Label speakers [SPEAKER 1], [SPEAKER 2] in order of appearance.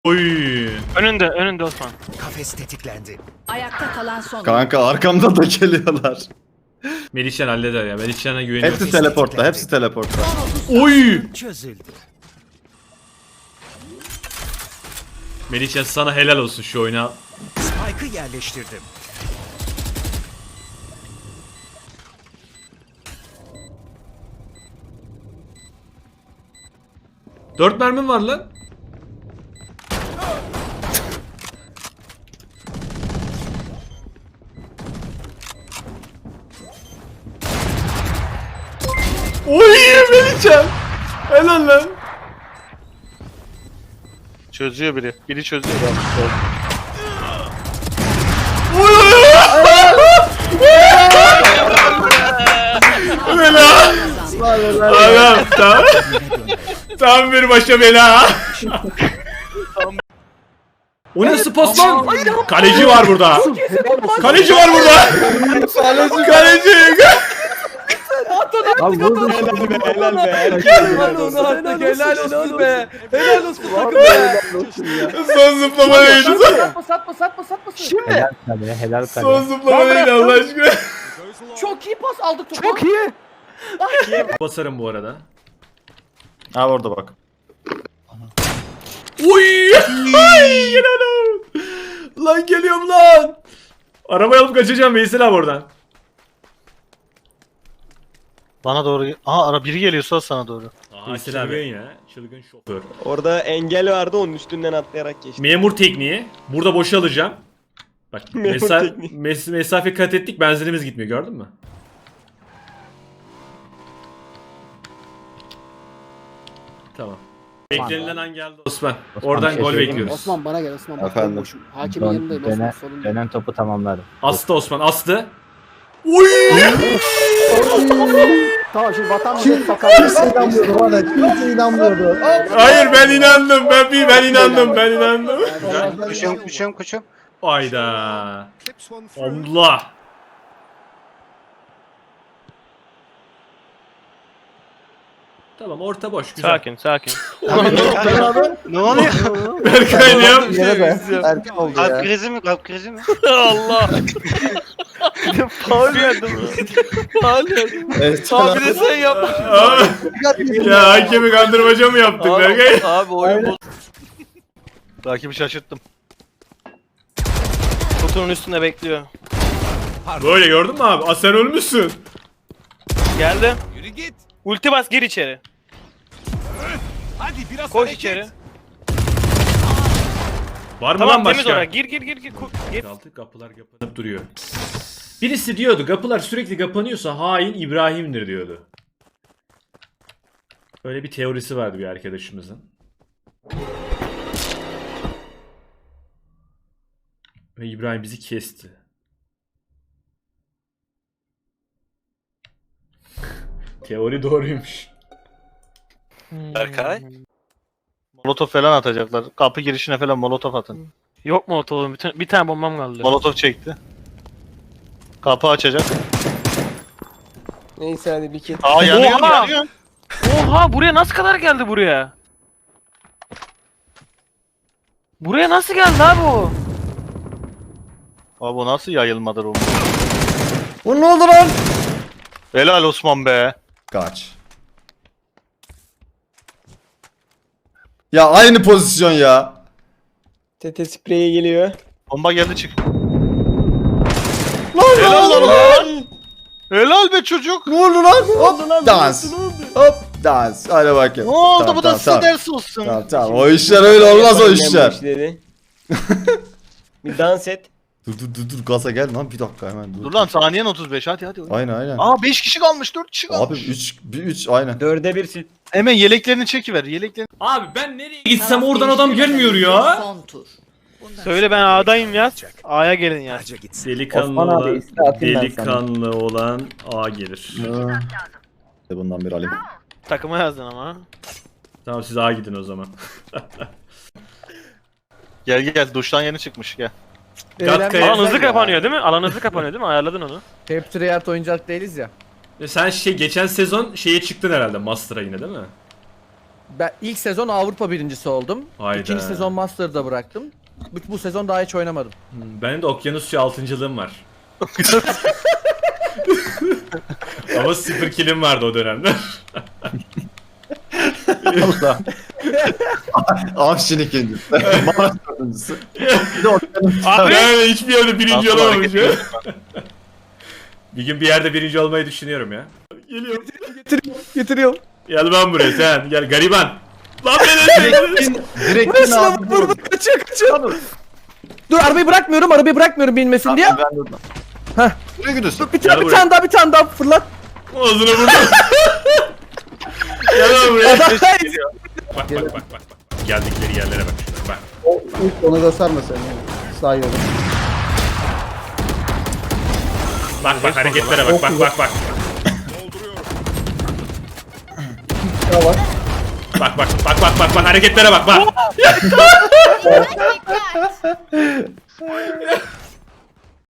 [SPEAKER 1] Oy.
[SPEAKER 2] Önünde Osman.
[SPEAKER 3] Kafes tetiklendi.
[SPEAKER 4] Ayakta kalan son.
[SPEAKER 5] Kanka arkamda da geliyorlar.
[SPEAKER 1] Melihcan halleder ya. Melihcan'a güveniyorum.
[SPEAKER 5] Hepsi teleportta, hepsi teleportta.
[SPEAKER 1] Oy.
[SPEAKER 3] Çözüldü.
[SPEAKER 1] Melihcan sana helal olsun şu oyuna.
[SPEAKER 3] Spike'ı yerleştirdim.
[SPEAKER 1] Dört mermim var lan. Oy Melihcan. Helal lan.
[SPEAKER 2] Çözüyor biri. Biri çözüyor.
[SPEAKER 1] Bela. Adam tamam. Tam bir başa bela. O nasıl pas lan? Kaleci var burada. Kaleci var burada. Kaleci.
[SPEAKER 6] Abi vurdum.
[SPEAKER 7] Helal be. Helal onu artık. Helal olsun be. Helal olsun takım be.
[SPEAKER 1] Son zıplama neydi?
[SPEAKER 7] Satma. Şimdi.
[SPEAKER 6] Helal kale, helal
[SPEAKER 1] Son
[SPEAKER 6] kale.
[SPEAKER 1] zıplama neydi Allah aşkına?
[SPEAKER 7] Çok iyi pas aldık topu.
[SPEAKER 6] Çok iyi.
[SPEAKER 1] Basarım bu arada.
[SPEAKER 5] Ha orada bak.
[SPEAKER 1] Uy! Ay inanamıyorum. Lan geliyorum lan. Arabayı alıp kaçacağım Veysel abi oradan.
[SPEAKER 2] Bana doğru. Aha biri geliyorsa sana doğru.
[SPEAKER 1] Aa, çılgın ya. Çılgın şoför.
[SPEAKER 7] Orada engel vardı onun üstünden atlayarak geçti.
[SPEAKER 1] Memur tekniği. Burada boşalacağım. Bak
[SPEAKER 7] Memur tekniği.
[SPEAKER 1] mesafe kat ettik, benzinimiz gitmiyor, gördün mü? Tamam. Beklenilen an geldi Osman. Oradan gol
[SPEAKER 6] şaşırdım.
[SPEAKER 1] bekliyoruz.
[SPEAKER 8] Osman bana gel Osman. Bak ben
[SPEAKER 5] Efendim?
[SPEAKER 8] boşum. Hakimin yanındayım Osman sorun değil.
[SPEAKER 6] Dönen topu tamamladım.
[SPEAKER 1] Astı Osman, astı. Uy!
[SPEAKER 8] Tamam şimdi vatan millet sakar.
[SPEAKER 6] Kimse inanmıyordu bana. Kimse inanmıyordu.
[SPEAKER 1] Hayır ben inandım. Ben inandım.
[SPEAKER 2] Koşuyorum.
[SPEAKER 1] Ayda. Allah. Tamam orta boş güzel.
[SPEAKER 2] Sakin.
[SPEAKER 5] Ne oluyor?
[SPEAKER 1] Berkay ne yapmış?
[SPEAKER 6] Erken oldu ya.
[SPEAKER 2] Kalp krizi mi? Allah. Faul verdim.
[SPEAKER 5] Evet,
[SPEAKER 2] Abi de sen yapmışsın.
[SPEAKER 1] Ya hakemi kandırmaca mı yaptık Berkay?
[SPEAKER 2] Abi oyun bozdu. Rakibi şaşırttım. Kutunun üstünde bekliyor.
[SPEAKER 1] Böyle gördün mü abi? Sen ölmüşsün.
[SPEAKER 2] Geldi. Ulti bas gir içeri.
[SPEAKER 3] Hadi biraz
[SPEAKER 2] Koş
[SPEAKER 3] hareket.
[SPEAKER 2] içeri.
[SPEAKER 1] Var mı
[SPEAKER 2] Tamam
[SPEAKER 1] lan
[SPEAKER 2] temiz
[SPEAKER 1] başka?
[SPEAKER 2] oraya. Gir. Gir.
[SPEAKER 1] Altı kapılar kapanıp duruyor. Birisi diyordu kapılar sürekli kapanıyorsa hain İbrahim'dir diyordu. Böyle bir teorisi vardı bir arkadaşımızın. Ve İbrahim bizi kesti. Teori doğruymuş.
[SPEAKER 2] Berkay. Molotof falan atacaklar. Kapı girişine falan molotof atın.
[SPEAKER 9] Yok mu otoğum? Bir tane bombam kaldı.
[SPEAKER 2] Molotof çekti. Kapı açacak.
[SPEAKER 7] Neyse hadi bir kez.
[SPEAKER 2] Aa yanıyor.
[SPEAKER 9] Oha buraya nasıl kadar geldi buraya? Buraya nasıl geldi abi o?
[SPEAKER 2] Abi bu nasıl yayılmadır o?
[SPEAKER 5] Bu ne oldu lan?
[SPEAKER 2] Helal Osman be.
[SPEAKER 5] Kaç. Ya aynı pozisyon ya.
[SPEAKER 7] TT spreyi geliyor.
[SPEAKER 2] Bomba geldi çık.
[SPEAKER 5] Helal lan.
[SPEAKER 2] Helal be çocuk.
[SPEAKER 5] Ne oldu lan? Hop dans. Hop dans. Hadi bakayım.
[SPEAKER 2] Ne oldu
[SPEAKER 5] Tamam,
[SPEAKER 2] bu da
[SPEAKER 5] tamam,
[SPEAKER 2] size
[SPEAKER 5] tamam.
[SPEAKER 2] ders olsun.
[SPEAKER 5] Tamam. O işler öyle olmaz o
[SPEAKER 7] Annem
[SPEAKER 5] işler.
[SPEAKER 7] bu işleri. Bir dans et.
[SPEAKER 5] Dur gaza gel lan bir dakika hemen dur.
[SPEAKER 2] Dur lan saniyen 35 hadi.
[SPEAKER 5] Aynen.
[SPEAKER 2] Aa 5 kişi kalmış 4 kişi
[SPEAKER 5] Abi
[SPEAKER 2] kalmış.
[SPEAKER 5] 3 aynen.
[SPEAKER 7] 4'e 1 sil.
[SPEAKER 2] Hemen yeleklerini çekiver yeleklerini.
[SPEAKER 1] Abi ben nereye gitsem oradan adam gelmiyor ya.
[SPEAKER 4] Son tur.
[SPEAKER 9] Söyle ben A'dayım yaz. A'ya gelin yaz.
[SPEAKER 3] Harca gitsin.
[SPEAKER 1] Delikanlı
[SPEAKER 6] Osman abi,
[SPEAKER 1] olan,
[SPEAKER 6] iste atayım ben
[SPEAKER 1] delikanlı olan A gelir.
[SPEAKER 5] Bundan bir alayım.
[SPEAKER 9] Takıma yazdın ama.
[SPEAKER 1] Tamam siz A gidin o zaman.
[SPEAKER 2] Gel duştan yeni çıkmış gel.
[SPEAKER 1] Gatka'ya
[SPEAKER 9] Alan hızlı kapanıyor değil mi? Alan hızlı kapanıyor değil mi? Ayarladın onu.
[SPEAKER 7] Hep Treyarch oyuncak değiliz ya.
[SPEAKER 1] Sen geçen sezon şeye çıktın herhalde Master'a yine değil mi?
[SPEAKER 7] Ben ilk sezon Avrupa birincisi oldum.
[SPEAKER 1] Hayda.
[SPEAKER 7] İkinci sezon Master'da bıraktım. Bu sezon daha hiç oynamadım.
[SPEAKER 1] Benim de okyanusçu 6.'lığım var. Ama 0 killim vardı o dönemler.
[SPEAKER 5] Allah. Avşin ikincisi. Mars dördüncüsü. Bir de okyanus.
[SPEAKER 9] Abi
[SPEAKER 1] Yani hiçbir yerde birinci
[SPEAKER 2] Nasıl
[SPEAKER 1] olamamış
[SPEAKER 2] hareket
[SPEAKER 1] ya.
[SPEAKER 2] ediyorsun?
[SPEAKER 1] Bir gün bir yerde birinci olmayı düşünüyorum ya. Geliyorum.
[SPEAKER 7] Getiriyorum.
[SPEAKER 1] Gel ben buraya sen. Gel gariban. Lan beni
[SPEAKER 5] Direktin
[SPEAKER 7] Şuna
[SPEAKER 5] ağzını
[SPEAKER 7] vur
[SPEAKER 5] vurdu.
[SPEAKER 7] kaçıyor. Dur arabayı bırakmıyorum binmesin diye.
[SPEAKER 5] Ben durdum.
[SPEAKER 7] Heh.
[SPEAKER 5] Nereye gidiyorsun?
[SPEAKER 7] Bir
[SPEAKER 1] Gel buraya.
[SPEAKER 7] bir tane daha fırlat.
[SPEAKER 1] Ağzına vurdum. Gel lan buraya. Bak. Geldikleri yerlere bak. Bak.
[SPEAKER 6] İlk onu gösterme sen yani. Sağ yolu.
[SPEAKER 1] Bak hareketlere bak.
[SPEAKER 6] Şuna bak.
[SPEAKER 1] Bak hareketlere bak.